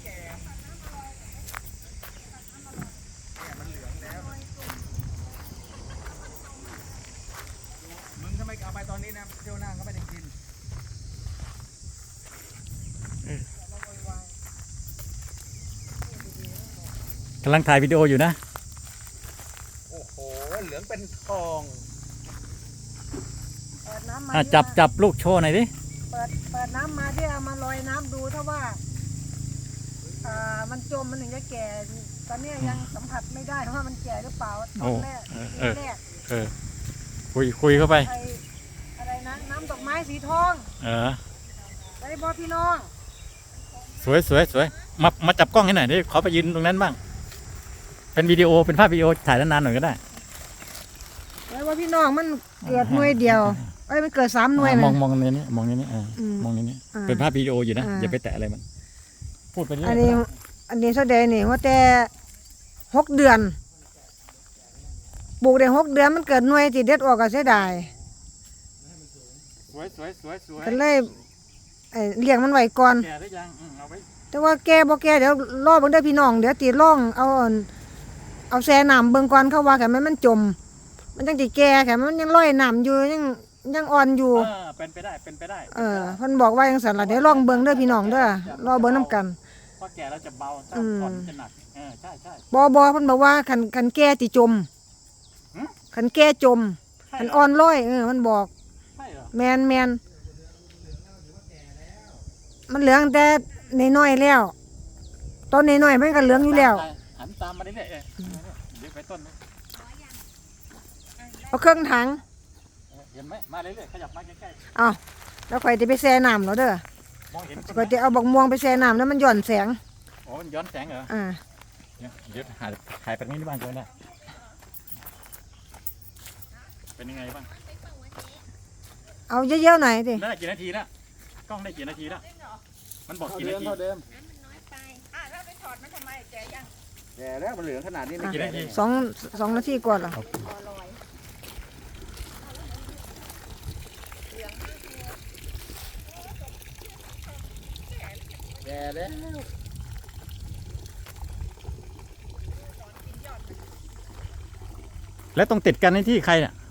มันเหลืองแล้วมึงถ้าไม่เอาไปตอนนี้นะเที่ยวหน้าก็ไม่ได้กินกำลังถ่ายวิดีโออยู่นะโอ้โหเหลืองเป็นทองเปิดน้ำมาจับลูกโชว์หน่อยดิเปิดน้ำมาที่เอามาลอยน้ำดูถ้าว่ามันจมมันถึงจะแก่ตอนนี้ยังสัมผัสไม่ได้ว่ามันแก่หรือเปล่าตอนแรกคุยเข้าไปอะไรนะน้ำดอกไม้สีทองได้บอพี่น้องสวยมาจับกล้องให้หน่อยดิขอไปยืนตรงนั้นบ้างเป็นวิดีโอเป็นภาพวิดีโอถ่ายนานๆหน่อยก็ได้ได้บอพี่น้องมันเกิดหน่วยเดียวมันเกิด3 หน่วยมองในนี้มองในนี้มองในนี้เป็นภาพวิดีโออยู่นะอย่าไปแตะอะไรมันพูดไปเรื่อยอันนี้แสดงนี่ว่าแต่6 เดือนปลูกได้6 เดือนมันเกิดหน่วยที่เด็ดออกก็เสียดายสวยก็เลยเลี้ยงมันไว้ก่อนแก่ได้ยังเอาไว้แต่ว่าแก่บ่แก่เดี๋ยวรอเบิ่งได้พี่น้องเดี๋ยวตีร่องเอาแช่น้ำเบิ่งก่อนเขาว่าแค่มันจมมันจังสิแก่แค่มันยังลอยน้ำอยู่ยังอ่อนอยู่เป็นไปได้เพิ่นบอกว่าจังซั่นล่ะเดี๋ยวลองเบิ่งเด้อพี่น้องเด้อรอเบิ่งนํกันพอแก่แล้วจะเบาถ้าอ่อนจะหนักใช่บ่เพิ่นบอกว่าคันแก่สิจมคันแก่จมคันอ่อนลอยมันบอกใช่เหรอแม่นมันเหลืองแต่น้อยๆแล้วต้นน้อยๆมันก็เหลืองอยู่แล้วหันตามมาเรื่อยๆเดี๋ยวไปต้นเอาเครื่องถังเห็นไหมมาเรื่อยๆขยับมาใกล้ๆอ้าวแล้วข่อยจะไปแช่น้ำแล้วเด้อมองเห็นข่อยจะเอาบักม่วงไปแช่น้ำแล้วมันหย่อนแสงโอ้มันย้อนแสงเหรอเดี๋ยวถ่ายแบบนี้บ้างเลยนะเป็นยังไงบ้างเอาเยอะๆหน่อยดิได้กี่นาทีแล้วกล้องได้กี่นาทีแล้วมันบอกกี่นาทีเท่าเดิมถ้าไปถอดมันทำไมแก่ยังแก่แล้วมันเหลืองขนาดนี้ไม่กี่นาที 2 นาทีกว่าหรอแก่แล้วแล้วต้องติดกันในที่ใครเนี่ย